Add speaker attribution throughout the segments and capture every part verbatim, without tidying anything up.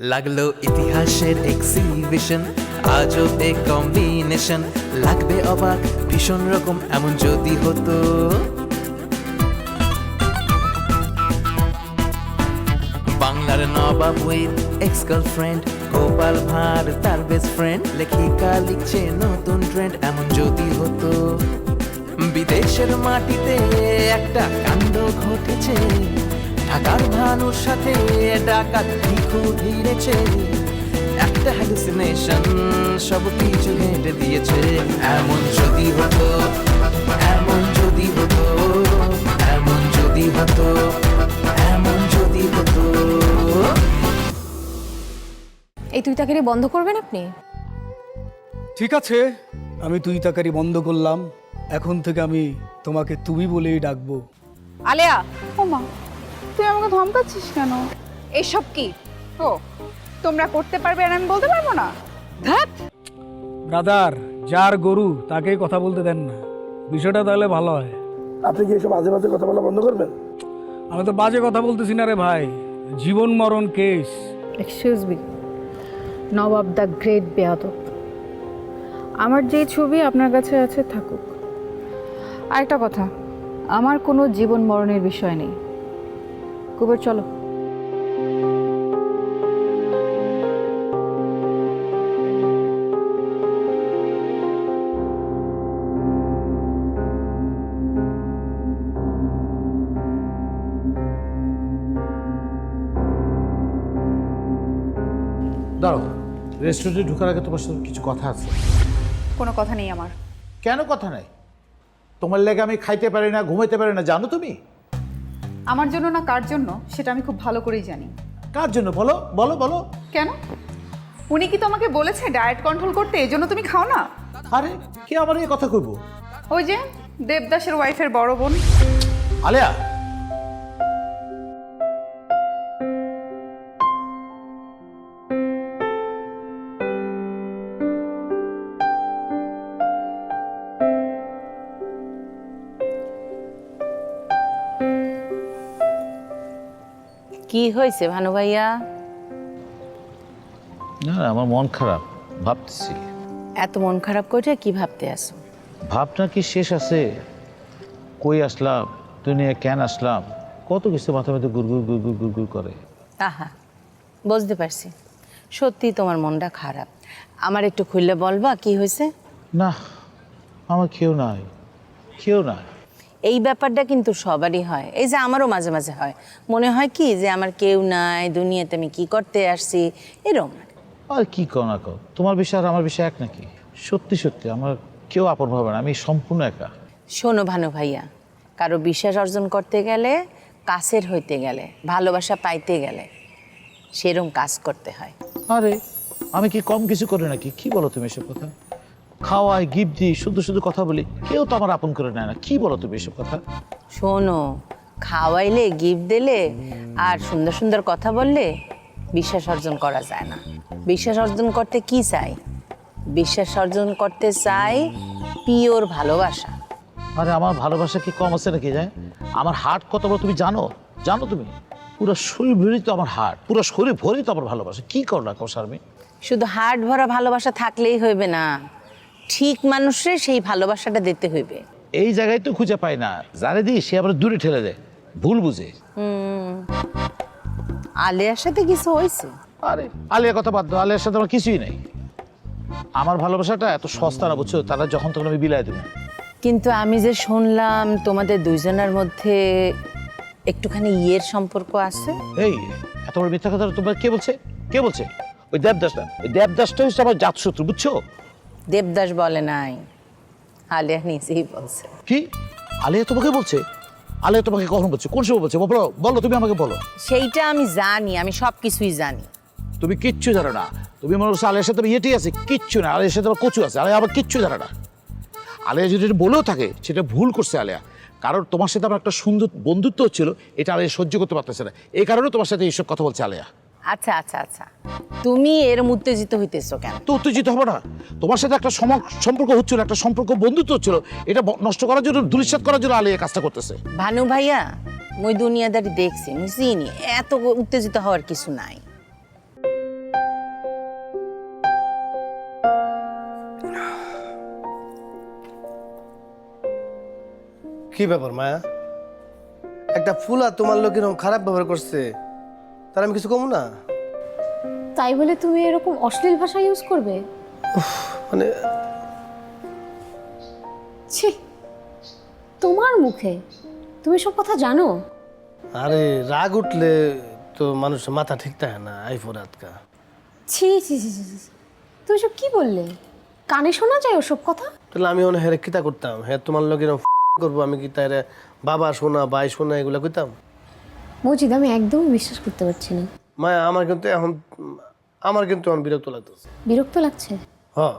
Speaker 1: লাগলো ইতিহাসের exhibition, আজবে combination, লাগবে অবাক ভীষণ রকম এমন যদি হতো। বাংলার Nawab with ex girlfriend, Gopal Bhar তার বেস্ট ফ্রেন্ড, লেখিকা লিখছে নতুন ট্রেন্ড এমন যদি হতো। বিদেশের মাটিতে একটা কাণ্ড ঘটেছে, ঢাকার ভানুর সাথে ডাকাত ভিখু ভিড়েছে, একটা হ্যালুসিনেশন সব কিছু হেঁটে দিয়েছে। এমন যদি হতো, এমন যদি হতো, এমন যদি হতো, এমন যদি হতো।
Speaker 2: এই তুই তাকে বন্ধ করবেন আপনি?
Speaker 3: ঠিক আছে, আমি তুই তাকারি বন্ধ করলাম। এখন থেকে আমি তোমাকে তুমি বলেই ডাকবো।
Speaker 2: আলেয়া,
Speaker 4: ও মা, তুই আমাকে ধমকাচ্ছিস কেন?
Speaker 2: এসব কি?
Speaker 4: ও তোমরা করতে পারবে আর আমি বলতে পারবো না?
Speaker 2: ধ্যাৎ,
Speaker 3: ব্রাদার, যার গরু তাকেই কথা বলতে দেন না, বিষয়টা তাহলে ভালো হয়।
Speaker 5: আপনি কি এসব আজে বাজে কথা বলা বন্ধ করবেন?
Speaker 3: আমি তো বাজে কথা বলতেছি না রে ভাই, জীবন মরণ case.
Speaker 6: Excuse me, Nawab the great বেয়াদব। আমার যে ছবি আপনার কাছে আছে থাকুক। আরেকটা কথা, আমার কোনো জীবন মরণের বিষয় নেই। কুবের চলো।
Speaker 7: দাঁড়াও, রেস্টুরেন্টে ঢোকার আগে তোমার সাথে কিছু কথা আছে।
Speaker 4: কোনো কথা নেই আমার।
Speaker 7: কেন কথা নাই? তোমার লেগে আমি খাইতে পারি না, ঘুমাইতে পারি না, জানো তুমি?
Speaker 4: আমার জন্য না কার জন্য সেটা আমি খুব ভালো করেই জানি।
Speaker 7: কার জন্য বলো বলো বলো।
Speaker 4: কেন? উনি কি তোমাকে বলেছে ডায়েট কন্ট্রোল করতে, এই জন্য তুমি খাও না?
Speaker 7: আরে কে আমার এই কথা কইবো?
Speaker 4: ওই যে দেবদাসের ওয়াইফের বড় বোন।
Speaker 7: আলেয়া,
Speaker 8: কি হয়েছে ভানু ভাইয়া?
Speaker 7: না না, আমার মন খারাপ, ভাবতেছি।
Speaker 8: এত মন খারাপ করে কি ভাবতে আসো?
Speaker 7: ভাবনা কি শেষ আছে? কই আসলাম, দুনিয়া কেন আসলাম, কত কিছু মাথা মধ্যে গুড়গুড় গুড়গুড় গুড়গুড় করে।
Speaker 8: আহা, বুঝতে পারছি, সত্যি তোমার মনটা খারাপ। আমার একটু খুললে বলবা কি হয়েছে?
Speaker 7: না, আমার কেউ নাই, কেউ নাই।
Speaker 8: এই ব্যাপারটা কিন্তু সবারই হয়, এই যে আমারও মাঝে মাঝে হয়। মনে হয় কি যে আমার কেউ নাই, দুনিয়াতে আমি কি করতে আসছি, এরকম।
Speaker 7: আর কি কও না কও, তোমার বিষয় আর আমার বিষয় এক নাকি? সত্যি সত্যি আমার কেউ আপন ভাবে না, আমি সম্পূর্ণ একা।
Speaker 8: শোনো ভানু ভাইয়া, কারো বিশ্বাস অর্জন করতে গেলে, কাছের হইতে গেলে, ভালোবাসা পাইতে গেলে সেরকম কাজ করতে হয়।
Speaker 7: আরে আমি কি কম কিছু করি নাকি? কি বলো তুমি এসব কথা? খাওয়াই, গিফট দিই, শুধু শুধু কথা বলি, কেউ তো আমার আপন করে নেয় না। কি বলো তুমি এসব কথা?
Speaker 8: শোনো, খাওয়াইলে, গিফট দিলে আর সুন্দর সুন্দর কথা বললে বিশ্বাস অর্জন করা যায় না। বিশ্বাস অর্জন করতে কি চাই? বিশ্বাস অর্জন করতে চাই পিওর ভালোবাসা।
Speaker 7: আরে আমার ভালোবাসা কি কম আছে নাকি? যায় আমার হার্ট কত বড় তুমি জানো? জানো তুমি? পুরো শরীর ভরেই তো আমার হার্ট, পুরো শরীর ভরেই তো আমার ভালোবাসা। কি করো না কো শারমি?
Speaker 8: শুধু হার্ট ভরা ভালোবাসা থাকলেই হইবে না, ঠিক মানুষের সেই ভালোবাসাটা দিতে হইবে।
Speaker 7: এই জায়গায় তো খুঁজে পাই না, জানে দিই সে আবার দূরে ঠেলে দেয়, ভুল বুঝে।
Speaker 8: হুম, আলিয়ার সাথে কিছু হয়েছে?
Speaker 7: আরে আলিয়ার কথা বাদ দাও, আলিয়ার সাথে আমার কিছুই নেই। আমার ভালোবাসাটা এত সস্তা না, বুঝছো? তারা যখন তখন আমি বিলাই দেবো।
Speaker 8: কিন্তু আমি যে শুনলাম তোমাদের দুইজনের মধ্যে একটুখানি ইয়ের সম্পর্ক আছে।
Speaker 7: এই এত বড় মিথ্যা কথা তোমার কে বলছে? কে বলছে? ওই দেবদাসটা, ওই দেবদাসটা হচ্ছে আমার জাতশত্রু, বুঝছো?
Speaker 8: দেবদাস বলে নাই, আলিয়া নিজেই বলছে।
Speaker 7: কি? আলিয়া তোমাকে বলছে? আলিয়া তোমাকে কখন বলছে? কোন সময় বলছে? বলো বলো, তুমি আমাকে বলো।
Speaker 8: সেইটা আমি জানি, আমি সব কিছুই জানি।
Speaker 7: তুমি কিচ্ছু জানো না। তুমি মনে করছো আলিয়ার সাথে ইয়েটি আছে, কিচ্ছু না। আলিয়ার সাথে আবার কচু আছে, আলিয়া আবার কিচ্ছু জানে না। আলিয়া যদি বলেও থাকে সেটা ভুল করছে আলিয়া, কারণ তোমার সাথে আমার একটা সুন্দর বন্ধুত্ব হচ্ছিল, এটা আলিয়া সহ্য করতে পারতেছে না, এই কারণে তোমার সাথে এইসব কথা বলছে আলিয়া।
Speaker 8: আচ্ছা আচ্ছা আচ্ছা, তুমি এরম উত্তেজিত হইতেছো কেন?
Speaker 7: তো উত্তেজিত হবে না? তোমার সাথে একটা সম্পর্ক হচ্ছিল, একটা সম্পর্ক বন্ধুত্ব হচ্ছিল, এটা নষ্ট করার জন্য, দুলিশাত করার জন্য আলিয়া কাজটা করতেছে।
Speaker 8: ভানু ভাইয়া, মুই দুনিয়াদারি দেখছি, মুই চিনি, এত উত্তেজিত হওয়ার কিছু নাই।
Speaker 9: কি ব্যাপার মায়া? একটা ফুলা তোমার লোক এরকম খারাপ ব্যবহার করছে, তার আমি কিছু কমু না?
Speaker 2: তাই বলে তুমি এরকম অশ্লীল ভাষা ইউজ করবে?
Speaker 9: মানে
Speaker 2: ছি, তোমার মুখে তুমি সব কথা জানো?
Speaker 9: আরে রাগ উঠলে তো মানুষের মাথা ঠিক থাকে না, আইফোর আটকা।
Speaker 2: ছি ছি ছি ছি ছি। তুমি সব কি বললে? কানে শোনা যায় ওসব কথা?
Speaker 9: তাহলে আমি অনেক হেরে কিতা করতাম? হ্যাঁ তোমার লোক এরকম করবো, আমি কি তাই বাবা শোনা ভাই শোনা এগুলো কইতাম?
Speaker 2: মজিদ, আমি একদমই বিশ্বাস করতে পারছি না।
Speaker 9: মায়া আমার কিন্তু এখন আমার কিন্তু এখন বিরক্ত লাগতেছে।
Speaker 2: বিরক্ত লাগছে?
Speaker 9: হ্যাঁ,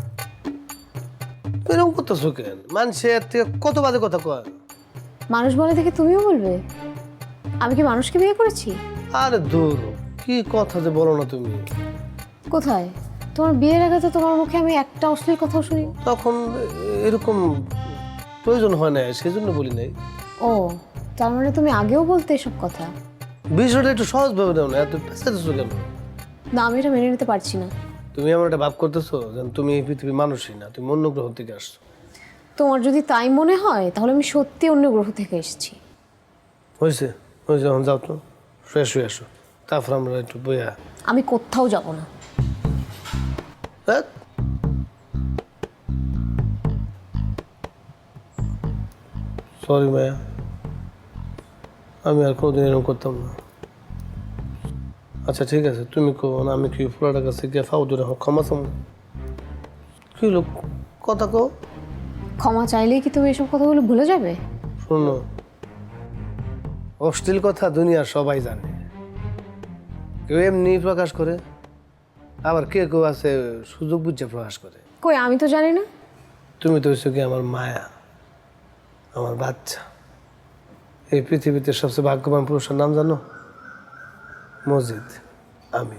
Speaker 9: এরকম করতেছো কেন? মানুষে এর থেকে কত বাজে কথা কয়।
Speaker 2: মানুষ বলে দেখে তুমিও বলবে? আমি কি মানুষকে বিয়ে করেছি?
Speaker 9: আরে দূর, কি কথা যে বলো না তুমি।
Speaker 2: কোথায়? তোমার বিয়ের আগে তো তোমার মুখে আমি একটা অশ্লীল কথাও শুনি।
Speaker 9: তখন এরকম প্রয়োজন হয় না, সেজন্য বলি নাই।
Speaker 2: ও, তার মানে তুমি আগেও বলতে এসব কথা?
Speaker 9: বিষয়টা একটু সহজ ভাবে দাও না, এত পেঁচাতেছো কেন?
Speaker 2: না, আমি এটা মেনে নিতে পারছি না।
Speaker 9: তুমি আমার একটা ভাব করতেছো যেন তুমি এই পৃথিবীর মানুষই না, তুমি অন্য গ্রহ থেকে আসছো।
Speaker 2: তোমার যদি তাই মনে হয় তাহলে আমি সত্যি অন্য গ্রহ থেকে এসেছি।
Speaker 9: হয়েছে হয়েছে, এখন যাও তো, ফ্রেশ হয়ে আসো, তারপর আমরা একটু বইয়া।
Speaker 2: আমি কোথাও যাব না।
Speaker 9: হ্যাঁ, সরি মায়া, আমি আর কোনোদিন এরকম করতাম না। আচ্ছা ঠিক আছে, তুমি কো না, আমি কি ফুলাটার কাছে গিয়ে ফাউ দূরে ক্ষমা চাম? কি লোক কথা কো?
Speaker 2: ক্ষমা চাইলেই কি তুমি এসব কথাগুলো ভুলে যাবে?
Speaker 9: শোনো, অশ্লীল কথা দুনিয়ার সবাই জানে, কেউ এমনি প্রকাশ করে, আবার কে কেউ আছে সুযোগ বুঝে প্রকাশ করে।
Speaker 2: কই, আমি তো জানি না।
Speaker 9: তুমি তো হচ্ছে কি আমার মায়া, আমার বাচ্চা। এই পৃথিবীতে সবচেয়ে ভাগ্যবান পুরুষের নাম জানো? মজিদ, আমি।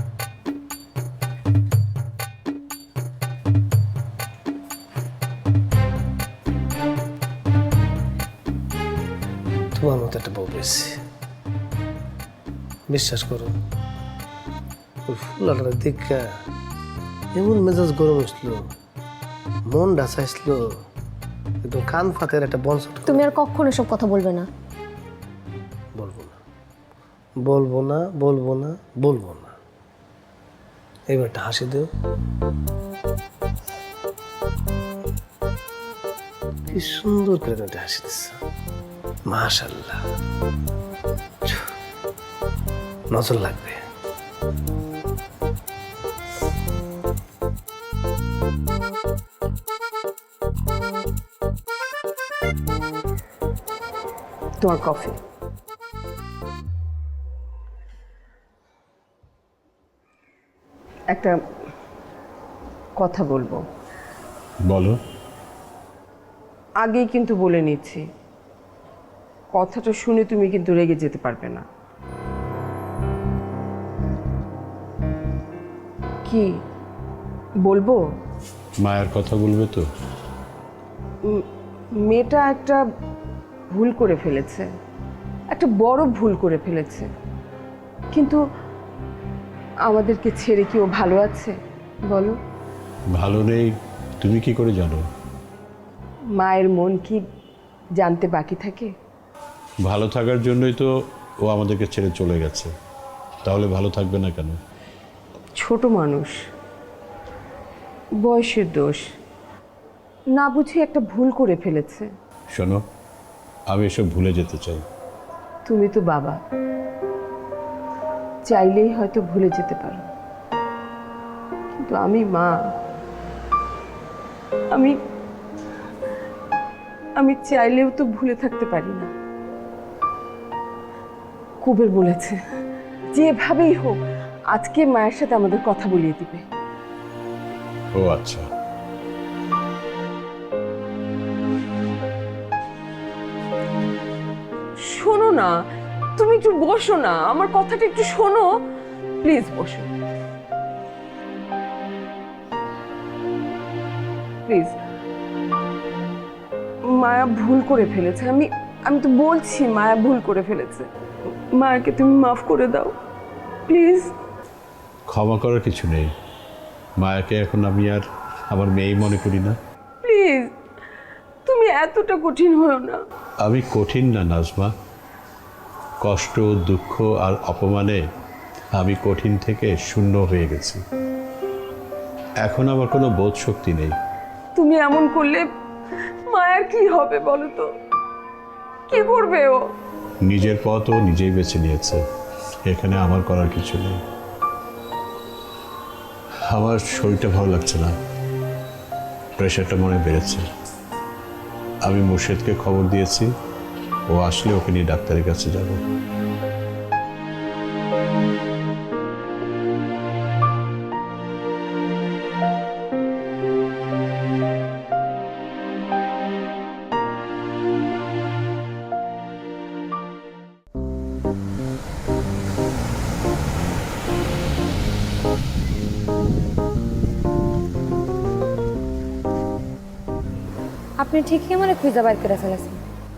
Speaker 9: তোমার মতো একটা বউ পেয়েছি, বিশ্বাস করো। ওই ফুলাটা দেখা এমন মেজাজ গরম হয়েছিল, মন ডাসাইছিল, একদম কান ফাতের একটা বংশ।
Speaker 2: তুমি আর কখনো এসব কথা বলবে না।
Speaker 9: বলবো না, বলবো না, বলবো না, বলবো না। এবার একটা হাসি দেও। কি সুন্দর করে তুমি একটা হাসি দিচ্ছ, মাশাআল্লাহ। নজর লাগবে।
Speaker 10: তোমার কফি। একটা কথা বলবো।
Speaker 11: বলো।
Speaker 10: আগেই কিন্তু বলে নিচ্ছি, কথাটা শুনে তুমি কিন্তু রেগে যেতে পারবে না। কি বলবো?
Speaker 11: মায়ের কথা বলবে তো?
Speaker 10: মেয়েটা একটা ভুল করে ফেলেছে, একটা বড় ভুল করে ফেলেছে, কিন্তু আমাদেরকে ছেড়ে কি ও ভালো আছে বলো?
Speaker 11: ভালো নেই, তুমি কি করে জানো?
Speaker 10: মায়ের মন কি জানতে বাকি থাকে?
Speaker 11: ভালো থাকার জন্যই তো ও আমাদেরকে ছেড়ে চলে গেছে, তাহলে ভালো থাকবে না কেন?
Speaker 10: ছোট মানুষ, বয়সের দোষ, না বুঝে একটা ভুল করে ফেলেছে।
Speaker 11: শোনো, আমি এসব ভুলে যেতে চাই।
Speaker 10: তুমি তো বাবা, চাইলেই হয়তো ভুলে যেতে পারো, কিন্তু আমি মা, আমি আমি চাইলেও তো ভুলে থাকতে পারি না। কুবের বলেছে যেভাবেই হোক আজকে মায়ের সাথে আমাদের কথা বলিয়ে দিবে।
Speaker 11: ও আচ্ছা,
Speaker 10: শোনো না, তুমি একটু বসো না, আমার কথাটা একটু শোনো প্লিজ, বসো প্লিজ। মায়া ভুল করে ফেলেছে, আমি আমি তো বলছি মায়া ভুল করে ফেলেছে। মায়াকে তুমি মাফ করে দাও প্লিজ।
Speaker 11: ক্ষমা করার কিছু নেই, মায়াকে এখন আমি আর আমার মেয়েই মনে করি না।
Speaker 10: প্লিজ, তুমি এতটা কঠিন হয়েও না।
Speaker 11: আমি কঠিন না নাজমা, কষ্ট দুঃখ আর অপমানে আমি কঠিন থেকে শূন্য হয়ে গেছি। এখন আমার কোনো বোধ শক্তি নেই।
Speaker 10: তুমি এমন করলে মায়ের কি হবে বলো তো? কি করবে ও?
Speaker 11: নিজের পথ ও নিজেই বেছে নিয়েছে, এখানে আমার করার কিছু নেই। আমার শরীরটা ভালো লাগছে না, প্রেশারটা মনে বেড়েছে। আমি মুর্শেদকে খবর দিয়েছি, ও আসলে ওকে নিয়ে ডাক্তারের কাছে যাব।
Speaker 2: আপনি ঠিকই আমার খুঁজে বাইর করে ফেলেছেন।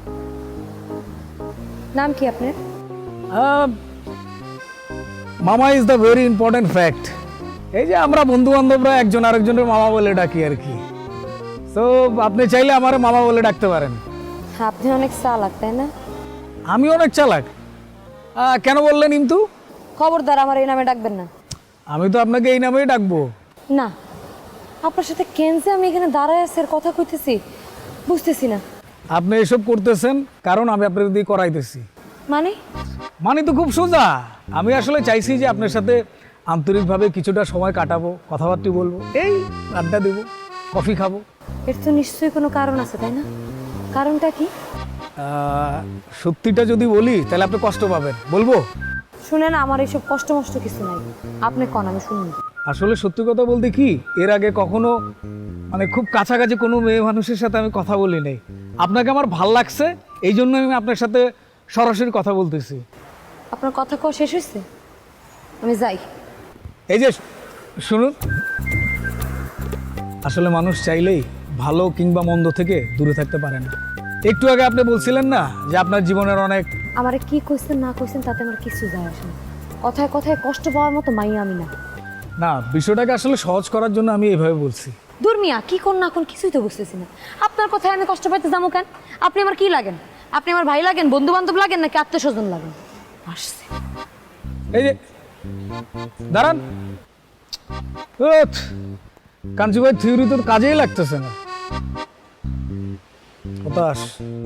Speaker 2: নাম কি আপনার?
Speaker 3: মামা is the very important fact. এই যে আমরা বন্ধু বান্ধবরা একজন আরেকজনের মামা বলে ডাকি আর কি। তো আপনি চাইলে আমার মামা বলে ডাকতে পারেন।
Speaker 2: আপনি অনেক চালাক, তাই না?
Speaker 3: আমি অনেক চালাক? আহ, কেন বললেন ইন্তু?
Speaker 2: খবরদার আমার এই নামে ডাকবেন না।
Speaker 3: আমি তো আপনাকে এই নামেই ডাকবো।
Speaker 2: না, আপনার সাথে কেন যে আমি এখানে দাঁড়ায় আছি আর কথা কইতেছি বুঝতেছি না।
Speaker 3: আপনি এসব করতেছেন কারণ আমি আপনার দিয়ে করাইতেছি।
Speaker 2: মানে?
Speaker 3: মানে তো খুব সোজা। আমি আসলে চাইছি যে আপনার সাথে আন্তরিকভাবে কিছুটা সময় কাটাবো, কথাবার্তা বলবো, এই আড্ডা দেবো, কফি খাবো।
Speaker 2: এর তো নিশ্চয়ই কোনো কারণ আছে, তাই না? কারণটা কি?
Speaker 3: আহ, সত্যিটা যদি বলি তাহলে আপনি কষ্ট পাবেন, বলবো?
Speaker 2: শুনেন, আমার এইসব কষ্ট মষ্ট কিছু নাই, আপনি কন, আমি শুনুন।
Speaker 3: আসলে সত্যি কথা বলতে কি, এর আগে কখনো মানে খুব কাছাকাছি কোনো মেয়ে মানুষের সাথে আমি কথা বলি নাই। আপনাকে আমার ভাল লাগছে, এই জন্য আমি আপনার সাথে সরাসরি কথা বলতেছি।
Speaker 2: আপনার কথা কওয়া শেষ হয়েছে? আমি যাই।
Speaker 3: এই যে শুনুন, আসলে মানুষ চাইলেই ভালো কিংবা মন্দ থেকে দূরে থাকতে পারে না। একটু আগে আপনি বলছিলেন না যে আপনার জীবনের অনেক...
Speaker 2: আমারে কি কইছেন না কইছেন তাতে আমার কিছু যায় আসে না। কথায় কথায় কষ্ট পাওয়ার মতো মাইয়া আমি না।
Speaker 3: না, বিষয়টাকে আসলে সহজ করার জন্য আমি এইভাবে বলছি।
Speaker 2: দূর মিয়া, কি কোন না কোন কিছুই তো বুঝতেছি না। আপনার কথায় আমি কষ্ট পাইতে যাবো কেন? আপনি আমার কি লাগেন? আপনি আমার ভাই লাগেন, বন্ধু বান্ধব লাগেন, নাকি আত্মীয় স্বজন লাগেন? আসছে
Speaker 3: এই যে দাঁড়ান, কাঞ্চু ভাই থিওরি তোর কাজেই লাগতেছে না, হতাশ।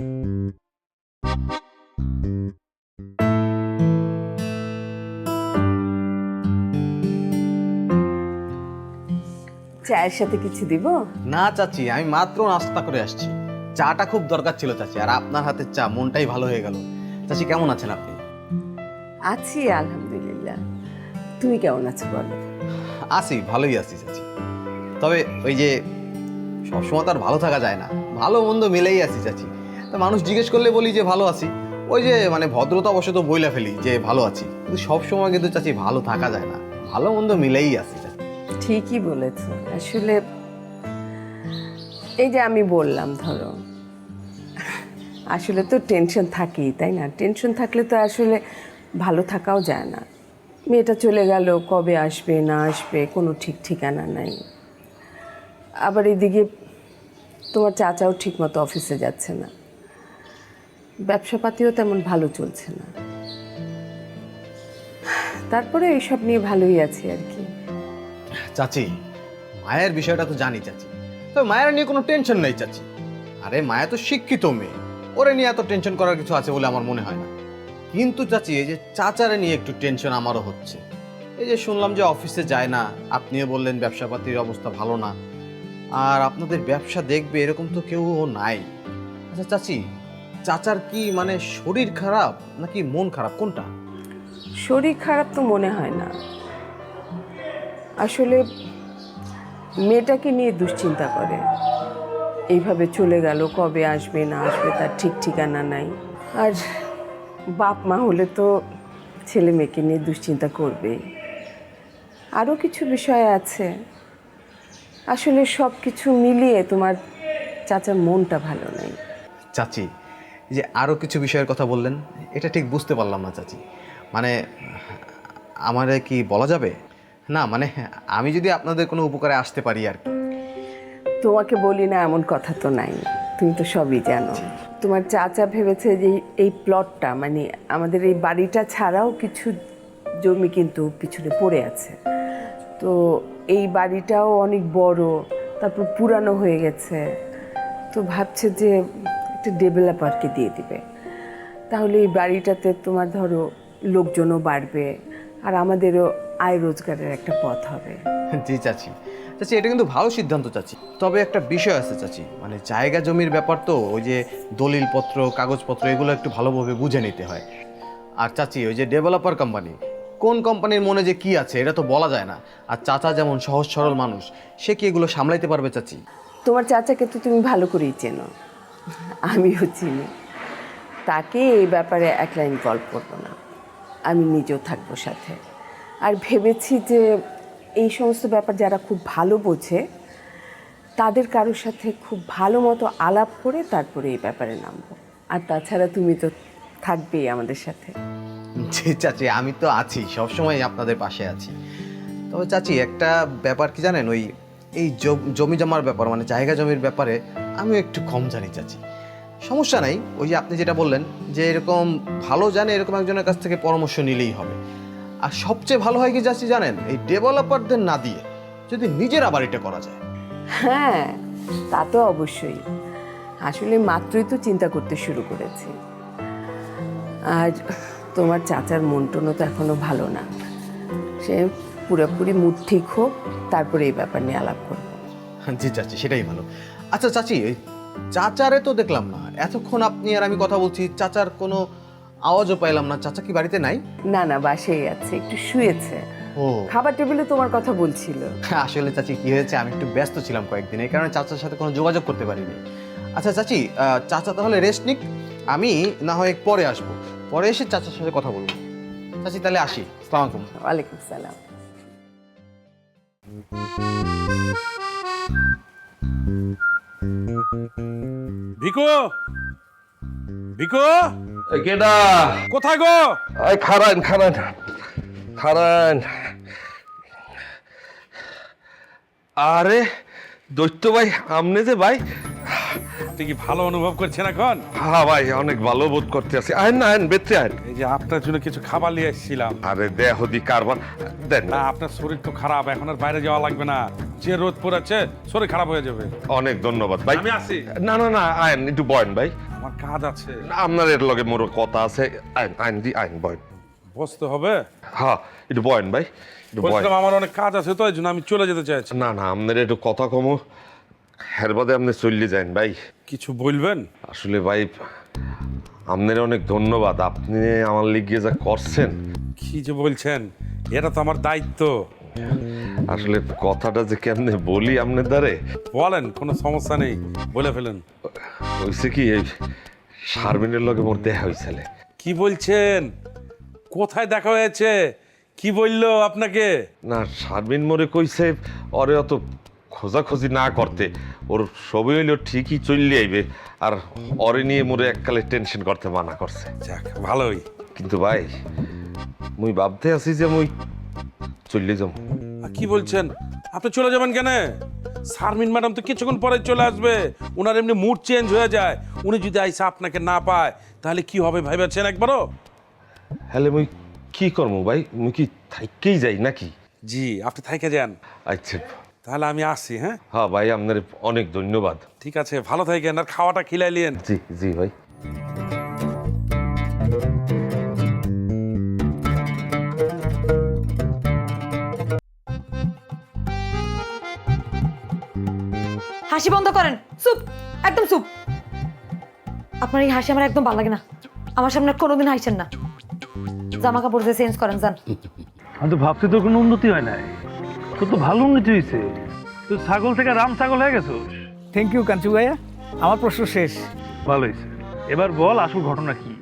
Speaker 10: চায়ের সাথে কিছু দিব?
Speaker 12: না চাচি, আমি মাত্র নাস্তা করে আসছি। চাটা খুব দরকার ছিল চাচি, আর আপনার হাতের চা, মনটাই ভালো হয়ে গেল। চাচি কেমন আছেন আপনি?
Speaker 10: আছি আলহামদুলিল্লাহ। তুমি কেমন আছো বলো?
Speaker 12: আছি, ভালোই আছি চাচি। তবে ওই যে সবসময় তো আর ভালো থাকা যায় না, ভালো মন্দ মিলেই আছি চাচি। তা মানুষ জিজ্ঞেস করলে বলি যে ভালো আছি, ওই যে মানে ভদ্রতা অবশ্য তো বইলা ফেলি যে ভালো আছি, কিন্তু সবসময় কিন্তু চাচি ভালো থাকা যায় না, ভালো মন্দ মিলেই আছি চাচি।
Speaker 10: ঠিকই বলেছ। আসলে এই যে আমি বললাম, ধরো আসলে তো টেনশন থাকেই, তাই না? টেনশন থাকলে তো আসলে ভালো থাকাও যায় না। মেয়েটা চলে গেল, কবে আসবে না আসবে কোনো ঠিক ঠিকানা নাই। আবার এদিকে তোমার চাচাও ঠিকমতো অফিসে যাচ্ছে না, ব্যবসাপাতিও তেমন ভালো চলছে না। তারপরে এইসব নিয়ে ভালোই আছি আর কি।
Speaker 12: চাচি, মায়ের বিষয়টা তো জানি চাচি, তবে মায়ের নিয়ে কোনো টেনশন নেই চাচি। আরে মায়া তো শিক্ষিত মেয়ে, ওরে নিয়ে এত টেনশন করার কিছু আছে বলে আমার মনে হয় না। কিন্তু চাচি, এই যে চাচারে নিয়ে একটু টেনশন আমারও হচ্ছে। এই যে শুনলাম যে অফিসে যায় না, আপনিও বললেন ব্যবসাপাতির অবস্থা ভালো না, আর আপনাদের ব্যবসা দেখবে এরকম তো কেউ নাই। আচ্ছা চাচি, চাচার কি মানে শরীর খারাপ নাকি মন খারাপ, কোনটা?
Speaker 10: শরীর খারাপ তো মনে হয় না, আসলে মেয়েটাকে নিয়ে দুশ্চিন্তা করে। এইভাবে চলে গেল, কবে আসবে না আসবে তার ঠিক ঠিকানা নাই। আর বাপ মা হলে তো ছেলে মেয়েকে নিয়ে দুশ্চিন্তা করবেই। আরও কিছু বিষয় আছে, আসলে সব কিছু মিলিয়ে তোমার চাচার মনটা ভালো নেই।
Speaker 12: চাচি, এই যে আরও কিছু বিষয়ের কথা বললেন, এটা ঠিক বুঝতে পারলাম না চাচি। মানে আমারে কি বলা যাবে? না মানে আমি যদি আপনাদের কোনো উপকারে আসতে পারি আর কি।
Speaker 10: তোমাকে বলি না এমন কথা তো নাই, তুমি তো সবই জানো। তোমার চাচা ভেবেছে যে এই প্লটটা মানে আমাদের এই বাড়িটা ছাড়াও কিছু জমি কিন্তু পিছনে পড়ে আছে। তো এই বাড়িটাও অনেক বড়, তারপর পুরানো হয়ে গেছে। তো ভাবছে যে একটা ডেভেলপারকে দিয়ে দিবে, তাহলে এই বাড়িটাতে তোমার ধরো লোকজনও বাড়বে আর আমাদেরও আয় রোজগারের একটা পথ হবে।
Speaker 12: জি চাচি, চাচি এটা কিন্তু ভালো সিদ্ধান্ত চাচি। তবে একটা বিষয় আছে চাচি, মানে জায়গা জমির ব্যাপার তো, ওই যে দলিলপত্র কাগজপত্র এগুলো একটু ভালোভাবে বুঝে নিতে হয়। আর চাচি ওই যে ডেভেলপার কোম্পানি, কোন কোম্পানির মনে যে কি আছে এটা তো বলা যায় না। আর চাচা যেমন সহজ সরল মানুষ, সে কি এগুলো সামলাইতে পারবে চাচি?
Speaker 10: তোমার চাচাকে তো তুমি ভালো করেই চেনো, আমিও চিনি। তাকে এই ব্যাপারে এক লাইন গল্প করবো না, আমি নিজেও থাকবো সাথে। আর ভেবেছি যে এই সমস্ত ব্যাপার যারা খুব ভালো বোঝে তাদের কারোর সাথে খুব ভালো মতো আলাপ করে তারপরে এই ব্যাপারে নামবো। আর তাছাড়া তুমি তো থাকবেই আমাদের সাথে।
Speaker 12: জি চাচি, আমি তো আছি, সবসময় আপনাদের পাশে আছি। তবে চাচি একটা ব্যাপার কি জানেন, ওই এই জমি জমার ব্যাপার মানে জায়গা জমির ব্যাপারে আমি একটু কম জানি চাচি। সমস্যা নাই, ওই যে আপনি যেটা বললেন যে এরকম ভালো জানে এরকম একজনের কাছ থেকে পরামর্শ নিলেই হবে। আর সবচেয়ে ভালো হয় কি চাচি জানেন, এই ডেভেলপারদের না দিয়ে যদি নিজের আবার এটা করা যায়।
Speaker 10: হ্যাঁ, তা তো অবশ্যই। আসলে মাত্রই তো চিন্তা করতে শুরু করেছি। আর তোমার চাচার মন টনও তো এখনো ভালো না, সে পুরোপুরি মুড ঠিক হোক তারপরে এই ব্যাপার নিয়ে আলাপ করবো।
Speaker 12: জি চাচি, সেটাই ভালো। আচ্ছা চাচি, ওই চাচারে তো দেখলাম না এতক্ষণ, আপনি আর আমি কথা বলছি, চাচার কোনো আওয়াজও পাইলাম না। চাচা কি বাড়িতে নাই?
Speaker 10: না না, বাসায় আছে, একটু শুয়েছে।
Speaker 12: ও,
Speaker 10: খাবার টেবিলে তোমার কথা বলছিল।
Speaker 12: আসলে চাচি কি হয়েছে, আমি একটু ব্যস্ত ছিলাম কয়েকদিন, এই কারণে চাচার সাথে কোনো যোগাযোগ করতে পারিনি। আচ্ছা চাচি, চাচা তাহলে রেস্ট নিক, আমি না হয় পরে আসবো, পরে এসে চাচার সাথে কথা বলবো। চাচি তাহলে আসি, আসসালামু আলাইকুম।
Speaker 10: ওয়ালাইকুম সালাম।
Speaker 13: ভিকু, ভিকু,
Speaker 9: কেডা
Speaker 13: কোথায় গো?
Speaker 9: এই খারান খারান খারান। আরে দৈত্য ভাই, আমনে যে ভাই,
Speaker 13: তুই কি ভালো অনুভব করছেন এখন?
Speaker 9: হ্যাঁ ভাই, অনেক ভালো বোধ করতে আছি। আহেন না, আহেন বেঁচে আহেন।
Speaker 13: এই যে আপনার জন্য কিছু খাবার নিয়ে এসেছিলাম।
Speaker 9: আরে দেহ দি কারবার দেন
Speaker 13: না, আপনার শরীর তো খারাপ, এখন আর বাইরে যাওয়া লাগবে না, যে রোদ পড়েছে শরীর খারাপ হয়ে যাবে।
Speaker 9: অনেক ধন্যবাদ ভাই।
Speaker 13: আমি আসি।
Speaker 9: না না না, আইন একটু বয়েন ভাই,
Speaker 13: আমার কাজ আছে।
Speaker 9: আপনার এর লগে মোর কথা আছে। আইন আইন দি আইন বয়েন।
Speaker 13: বসতে হবে?
Speaker 9: হ্যাঁ একটু বয়েন ভাই, একটু বয়েন।
Speaker 13: বলছিলাম আমার অনেক কাজ আছে তো, এই জন্য আমি চলে যেতে চাইছি।
Speaker 9: না না, আপনার একটু কথা কমো, হের বাদে আপনি চললে যান ভাই।
Speaker 13: কিছু বলবেন?
Speaker 9: আসলে ভাই আপনার অনেক ধন্যবাদ, আপনি আমার লিগে যা করছেন।
Speaker 13: কি যে বলছেন, এটা তো আমার দায়িত্ব।
Speaker 9: আসলে কথাটা যে কেমনে বলি আপনার দ্বারে।
Speaker 13: বলেন, কোনো সমস্যা নেই, বলে ফেলেন।
Speaker 9: হয়েছে কি, এই শারমিনের লগে মোর দেখা হয়েছিল।
Speaker 13: কি বলছেন? কোথায় দেখা হয়েছে? কি বললো আপনাকে?
Speaker 9: না, শারমিন মোরে কইছে ওরে অত খোঁজাখুঁজি না করতে, ওর সবই হইলেও ঠিকই চললে আইবে, আর ওরে নিয়ে মোরে এককালে টেনশন করতে মানা করছে।
Speaker 13: যাক, ভালোই।
Speaker 9: কিন্তু ভাই মুই ভাবতে আছি যে মুই চললে যাম।
Speaker 13: কি বলছেন? আপনি চলে যাবেন কেন? শারমিন ম্যাডাম তো কিছুক্ষণ পরে চলে আসবে, ওনার এমনি মুড চেঞ্জ হয়ে যায়। উনি যদি আইসা আপনাকে না পায় তাহলে কি হবে ভাইবেছেন একবারও?
Speaker 9: হ্যালে মুই কি করবো ভাই, মুই কি থাইকেই যাই নাকি?
Speaker 13: জি, আপনি থাইকে যান।
Speaker 9: আচ্ছা
Speaker 13: তাহলে আমি আসি। হ্যাঁ
Speaker 9: হ্যাঁ ভাই, আপনার অনেক ধন্যবাদ।
Speaker 13: ঠিক আছে, ভালো থাকেন, আর খাওয়াটা খিলাইলেন।
Speaker 9: জি জি ভাই।
Speaker 2: হাসি বন্ধ করেন, চুপ, একদম চুপ। আপনার এই হাসি আমার একদম ভালো লাগে না, আমার সামনে কোনোদিন হাসছেন না। জামা কাপড় দিয়ে চেঞ্জ করেন, যান।
Speaker 14: আমি তো ভাবছি তোর কোনো উন্নতি হয় নাই, তোর তো ভালো উন্নতি হয়েছে, তুই ছাগল থেকে রাম ছাগল হয়ে গেছিস।
Speaker 3: থ্যাংক ইউ কাঞ্চু ভাইয়া, আমার প্রশ্ন শেষ।
Speaker 14: ভালো হয়েছে, এবার বল আসল ঘটনা কি?